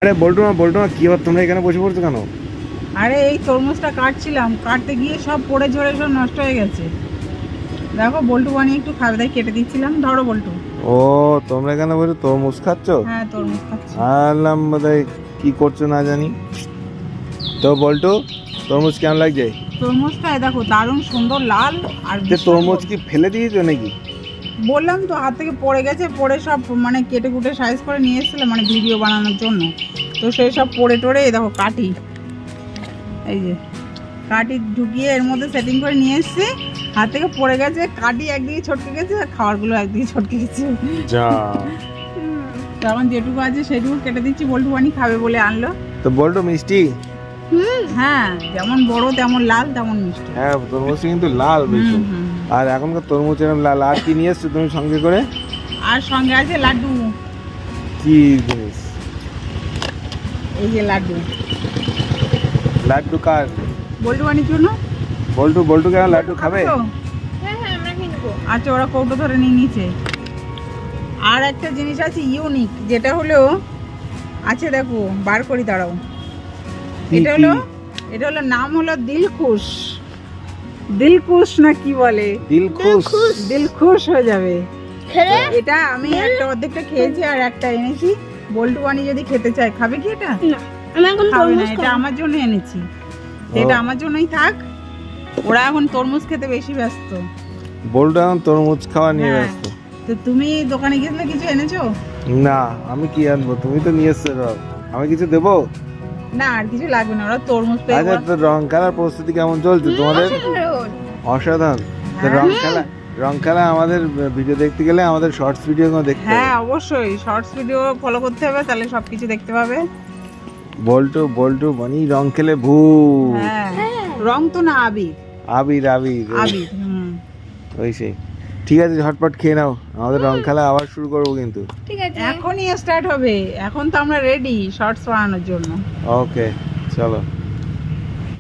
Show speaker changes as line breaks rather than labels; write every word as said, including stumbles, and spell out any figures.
আরে বল্টু মা বল্টু মা কি তোমরা এখানে বসে পড়ছো কেন?
আরে এই তরমুজটা কাটছিলাম, কাটতে গিয়ে সব পড়ে ঝরে সব নষ্ট হয়ে গেছে। দেখো বল্টু বানিয়ে একটু খাবে তাই কেটে দিচ্ছিলাম। ধরো বল্টু।
ও তোমরা এখানে বসে তরমুজ খাচ্ছ?
হ্যাঁ তরমুজ খাচ্ছি।
আলাম বোধহয় কি করছো না জানি। তো বল্টু তরমুজ কেমন লাগছে?
তরমুজটা দেখো দারুণ সুন্দর লাল। আর
তরমুজ কি ফেলে দিয়েছো নাকি?
বললাম তো হাত থেকে পড়ে গেছে, পড়ে সব মানে কেটে কুটে সাইজ করে নিয়ে এসেছিলাম মানে ভিডিও বানানোর জন্য। তো সেই সব পড়ে টড়ে দেখো কাটি, এই যে কাটি ঢুকিয়ে এর মধ্যে সেটিং করে নিয়ে এসেছি। হাত থেকে পড়ে গেছে, কাটি একদিকে ছটকে গেছে আর খাবারগুলো একদিকে ছটকে গেছে।
যা
তো এখন যেটুকু আছে সেটুকু কেটে দিচ্ছি, বল্টু বানি খাবে বলে আনলো।
তো বল্টু মিষ্টি?
হ্যাঁ যেমন বড় তেমন লাল তেমন মিষ্টি।
হ্যাঁ তরমুজ কিন্তু লাল বেশি। আর এখনকার তরমুজ এরকম লাল। আর কি নিয়ে এসছো তুমি সঙ্গে করে?
আর সঙ্গে আছে লাড্ডু।
কি জিনিস?
এই যে লাড্ডু।
লাড্ডু কার?
বল্টু বানির জন্য।
বল্টু বল্টু কেন লাড্ডু খাবে?
আচ্ছা ওরা কৌটো ধরে নিয়ে নিচে। আর একটা জিনিস আছে ইউনিক, যেটা হলো আছে দেখো বার করি দাঁড়াও। এটা হলো এটা হলো নাম হলো দিলখুশ। দিলখুশ না কি বলে?
দিলখুশ।
দিলখুশ হয়ে যাবে। এটা আমি একটা অর্ধেকটা খেয়েছি আর একটা এনেছি। বল্টু বানি যদি খেতে চায় খাবে কি এটা? খাবে না, এটা আমার জন্য এনেছি। এটা আমার জন্যই থাক। ওরা এখন তরমুজ খেতে বেশি ব্যস্ত।
বল্টু এখন তরমুজ খাওয়া নিয়ে ব্যস্ত।
তো তুমি দোকানে গেছিলে কিছু এনেছো?
না আমি কি আনবো, তুমি তো নিয়ে এসছো। আমি কিছু দেবো
না আর কিছু লাগবে না, ওরা তরমুজ পেয়ে।
আচ্ছা তো রং খেলার প্রস্তুতি কেমন চলছে তোমাদের? অসাধারণ। তো রং খেলা রং খেলা আমাদের ভিডিও দেখতে গেলে আমাদের শর্টস ভিডিও গুলো দেখতে হবে।
হ্যাঁ অবশ্যই শর্টস ভিডিও ফলো করতে হবে, তাহলে সবকিছু দেখতে পাবে।
বল্টু বল্টু বানি রং খেলে ভূ।
হ্যাঁ রং তো না আবির।
আবির আবির
আবির হুম
ওই সেই। ঠিক আছে ঝটপট খেয়ে নাও, আমাদের রং খেলা আবার শুরু করবো কিন্তু।
ঠিক আছে এখনই স্টার্ট হবে। এখন তো আমরা রেডি শর্টস বানানোর জন্য।
ওকে চলো।